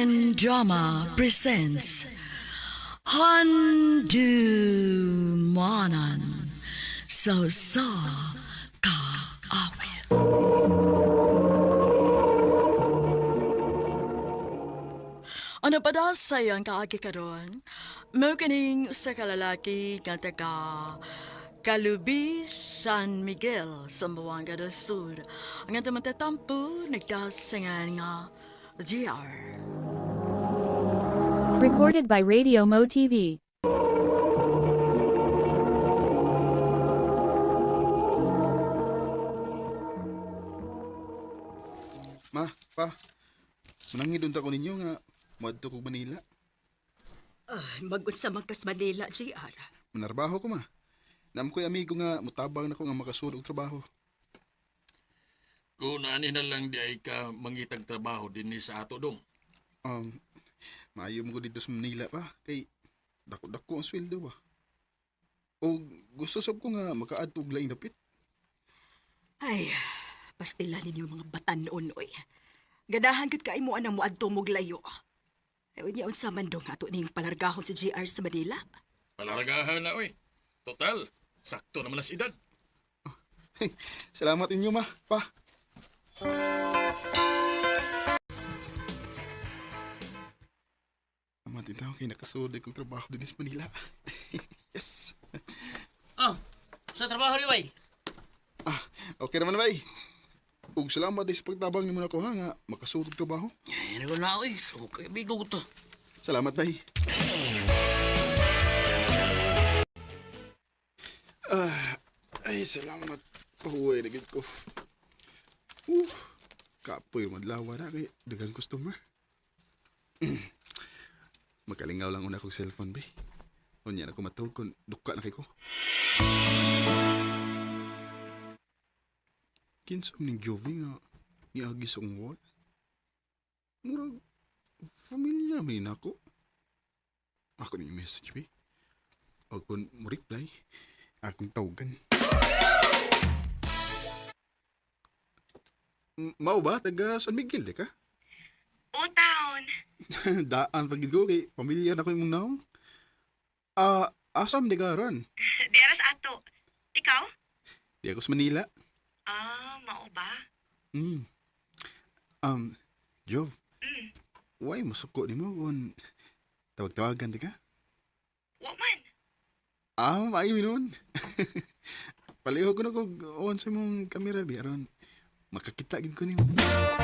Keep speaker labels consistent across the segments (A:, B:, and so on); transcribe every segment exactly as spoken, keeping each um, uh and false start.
A: Korean Drama presents Handu Manan So Sa Ka Awit. Ano pa daw sayang kaagi karon? Mo kining usa ka lalaki nga taga Calubi, San Miguel, Zamboanga del Sur. Ang atong matatampo, nagdasangan nga G R.
B: Recorded by Radio Mo T V.
C: Ma, pa, manangidun ta ko ninyo nga madto kog Manila.
D: Ay, mag-unsa man kas Manila, J R.
C: Manarbaho ko ma. Nam ko'y amigo nga mutabang na ko nga makasulog trabaho.
E: Kung ani na lang di ay ka mangitag trabaho din ni sa ato dong.
C: Um, maayo mo ko dito sa Manila pa, kay dako-dako ang sweldo ba. O gusto sab ko nga makaadto og laing dapit.
D: Ay, pastila ninyo mga batan noon, oy. Ganahan gud kay mo anang moadto mog layo. Ay, unya unsa man dong ato ning palargahon sa J R sa Manila.
E: Palaragahan na oy. Total, sakto naman as edad.
C: Salamat inyo ma, pa. Salamat din tao kay nakasulog kong trabaho din sa Manila. Yes.
F: Oh, sa trabaho ni Bay.
C: Ah, okay naman bay. Ug salamat din sa pagtabang nimo nako ha nga makasulog trabaho.
F: Ay, ano ko na ako eh. So, kaya bigo ko to.
C: Salamat bay. Ah, ay salamat. Pahuway na gid ko. Uh, kapoy madlawa na kay dagang customer. Makalingaw lang una kong cellphone bay. Unya na ko matawag kung duka na kay ko. Kinsom ning Jovi nga niagi sa akong wall. Murag, familiar may nako. Ako ni message, be. O kung mo reply, akong tawagan. M- Mao ba? Taga San Miguel, di ka?
G: O, taon.
C: Daan pagid ko kay pamilya na ko yung naong. Ah, asam di ka ron?
G: Di aras ato. Ikaw?
C: Di ako sa Manila.
G: Ah, mao ba?
C: Mm. Um, Jov,
G: Mm.
C: why masuko di mo kung tawag-tawagan di ka?
G: Wa man.
C: Ah, maayo nun. Paliho ko na kung on sa mong kamera, bi. Aron, makakita gid ko nimo.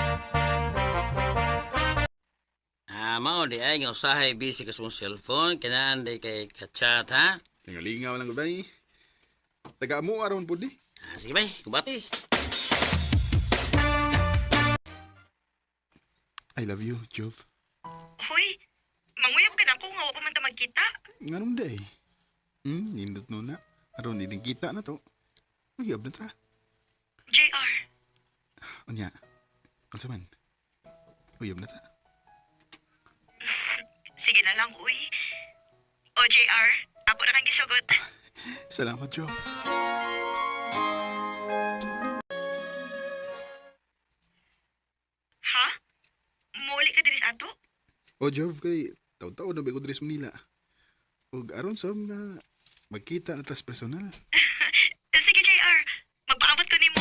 F: Ah, mao di ay nga usahay busy ka sa mong cellphone. Kinaan di kay ka-chat, ha?
C: Lingalingaw lang ko, bay. Taga mo aron po di.
F: Ah, sige, Bay. Kubati.
C: I love you, Jov.
G: Hoy, manguyab ka na ko nga wa pa man ta magkita.
C: Nga nung day. Hmm, nindot no na. Aron, hindi kita na to. Uyab na ta.
G: J R,
C: Unya, ano sa man? Uyab na ta.
G: sige na lang, uy. O, J R, ako na kang gisugot.
C: Salamat, Jov.
G: Ha? Muli ka diri sa ato?
C: O, Jov, kay taw-taw na ba ko diri sa Manila. Ug aron sa na magkita na tas personal.
G: Sige, J R, magpaabot ko nimo.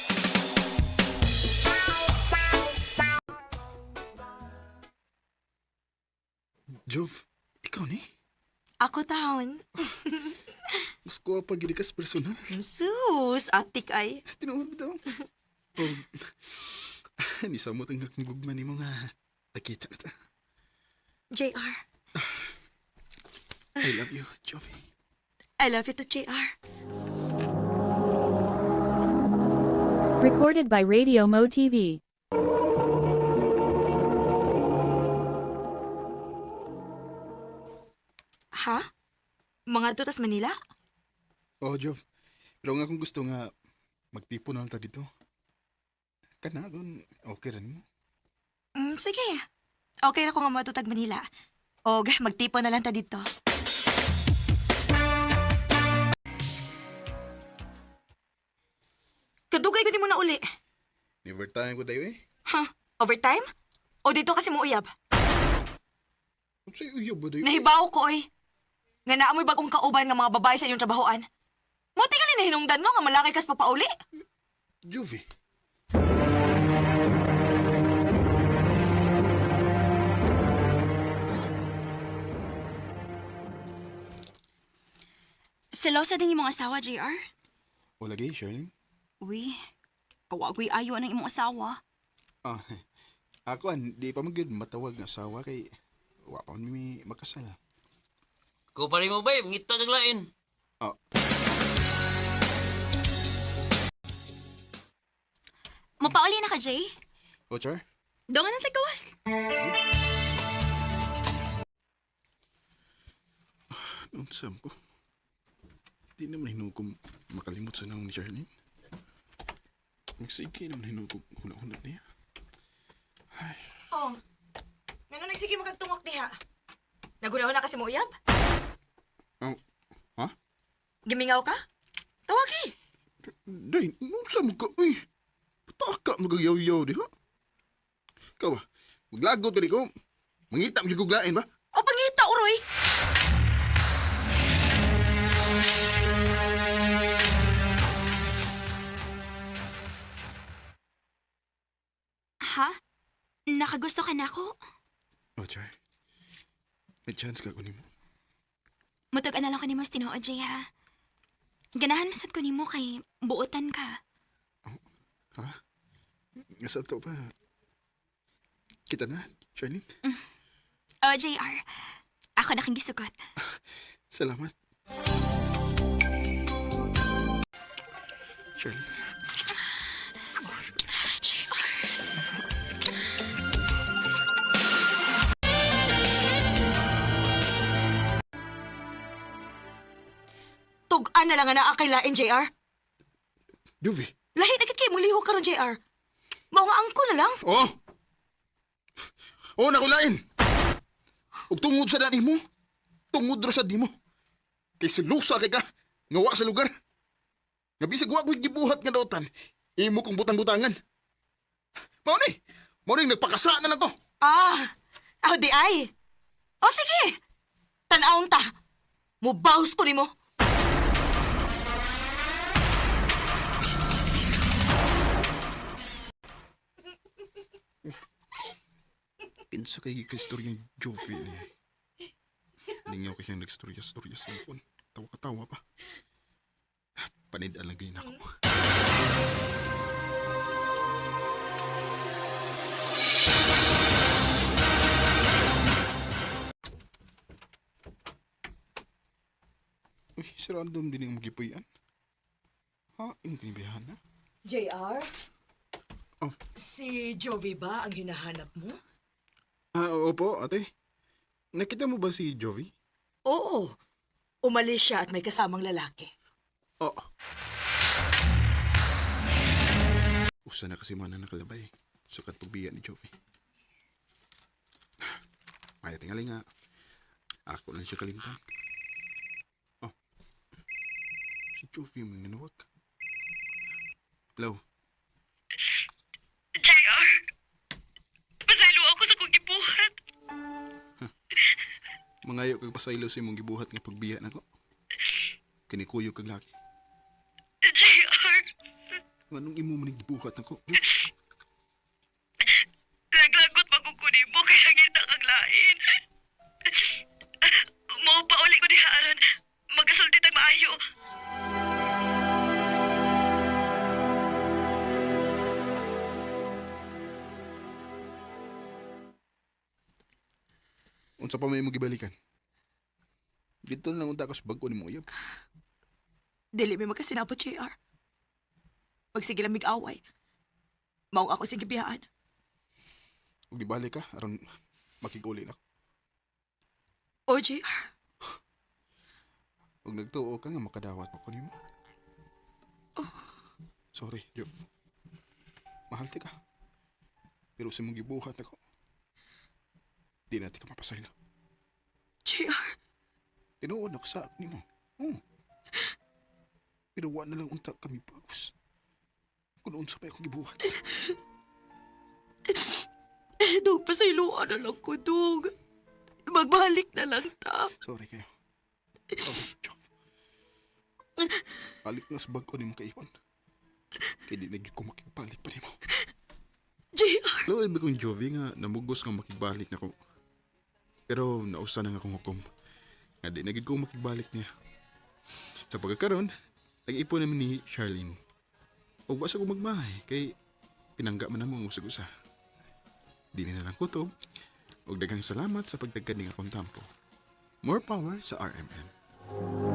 C: Jov, ikaw ni?
D: Ako taon.
C: Mas kuha pa gid ka sa personal.
D: Sus, atik ay.
C: Tinuod daw. Oh, ni sa mo tanggak ng gugma ni mo nga. Nakita na ta.
D: J R,
C: I love you, Jovi.
D: I love you to J R.
B: Recorded by Radio Mo T V.
D: Ha? Mga tutas Manila?
C: Oh, Jov. Pero nga kung gusto nga, magtipo na lang ta dito. Kana, kung okay rin mo.
D: Mm, sige. Okay na ko nga matutag Manila. Og, magtipo na lang ta dito. Kadugay ko di mo na uli.
C: Never time ko dayo eh.
D: Ha? Overtime? O dito kasi mo uyab?
C: Sa'yo uyab ba dayo?
D: Nahibaw ko, oy. Nga naamoy bagong kauban nga mga babae sa iyong trabahoan. Mo tingali na hinungdan no nga malaki kas papauli.
C: Jovi.
H: Selosa din imong asawa, J R?
C: O lagi, Charlene?
H: Uy, kawagoy ayo ng imong asawa.
C: Ah, ako an, di pa magyud matawag nga asawa kay wa pa man mi makasal.
F: Ko pa rin mo ba, ngita kag lain.
C: Ah,
H: Mapauli na ka, Jay?
C: o Char?
H: Doon nga natin gawas.
C: Unsam ko. Di naman hinugom makalimot sa naong ni Charlene. Magsige naman hinugom hula-hula niya.
D: Oh. Ngano nagsige mo kag tungok diha? Nagunahon na kasi mo uyab?
C: Oh, ha?
D: Gimingaw ka? Tawagi.
C: Day, unsam ka? Uy, pataka magagayaw-yaw di ha? Ikaw ba? Maglagot ka di ko. Mangita mo yung guglain ba?
D: O pangita, uroy.
H: Ha? Nakagusto ka na ako?
C: O Char, may chance ka kunin mo.
H: Mutog na lang ko ni mo tinuod, Jay, ha? Ganahan masad ko ni mo kay buotan ka.
C: Ha? Nasa to pa. Kita na, Charlene.
H: O, J R, ako na kang gisugot.
C: Salamat. Charlene.
H: J R.
D: Tug-an na lang nga naa kay lain, J R.
C: Jovi.
D: Lahi na kay mo lihok karon, J R. Mao nga angko na lang.
C: Oh! Oh, nakulain! Ug tungod sa dani mo, tungod ra sa di mo. Kay silusa kay ka, ngawa sa lugar. Nga bisag wa ko'y gibuhat nga dautan, imo kong butang-butangan. Mao ni, mao ni nagpakasa na lang ko.
D: Ah, aw di ay. O sige. Tan-awon ta. Mubaws ko nimo.
C: Kinsa kay ka-istorya ng Jovi ni. Ningaw kay siyang nagstorya-storya sa cellphone. Tawa-katawa pa. Panidaan lang ganyan ako. Uy, si random din yung magipuyan. Ha? Ino kanibayahan na?
D: J R?
C: Oh.
D: Si Jovi ba ang hinahanap mo?
C: Ah, opo, ate. Nakita mo ba si Jovi?
D: Oo. Umalis siya at may kasamang lalaki.
C: Oo. Usa na kasi mana nakalabay sa katubigan ni Jovi. Ay, tingali nga. Ako lang siya kalimtan. Oh. Si Jovi mo nanawag. Hello?
G: J R, pasaylo ako sa kong gibuhat.
C: Mangayo kag pasaylo sa imong gibuhat nga pagbiya nako. Kinikuyo kag laki.
G: J R,
C: Anong imo man gibuhat nako?
G: naglagot magkukuni mo kaya ngita kang lain. Mo pa uli ko dihaaran, magasulti tayo maayo.
C: Unsa pa may mo gibalikan? Dito na lang unta kas bag-o ni mo uyab.
D: Dili may magkasinabot, J R. Pag sige lang mig-away. Maong ako sige biyaan.
C: Ug gibalik ka aron makiguli na.
D: O, J R.
C: Ug nagtuo ka nga makadawat pa ko nimo. Sorry, Jeff. Mahal ti ka. Pero sa mong gibuhat ako, di natin ka mapasaylo.
D: J R.
C: Tinuod ako sa ni mo. Hmm. Pero wa na lang unta kami paus. Kung unsa pa akong gibuhat.
D: Dog, pasayloan na lang ko, Dog.
A: Magbalik na lang ta.
C: Sorry kayo. Sorry, Jov. Balik na sa bag ko ni mo kaiwan. Kaya di naging ko makigbalik pa ni mo.
A: J R.
C: Hello, ibig kong Jovi nga namugos nga makigbalik na ko. Pero nausa na nga akong hukom. Nga di naging ko makigbalik niya. Sa pagkakaroon, nag-ipon naman ni Charlene. O basa ko magmahay, kay pinangga man namang usag-usa. Di na lang kutob. O daghang salamat sa pagtagkaning akong tampo. More power sa R M N.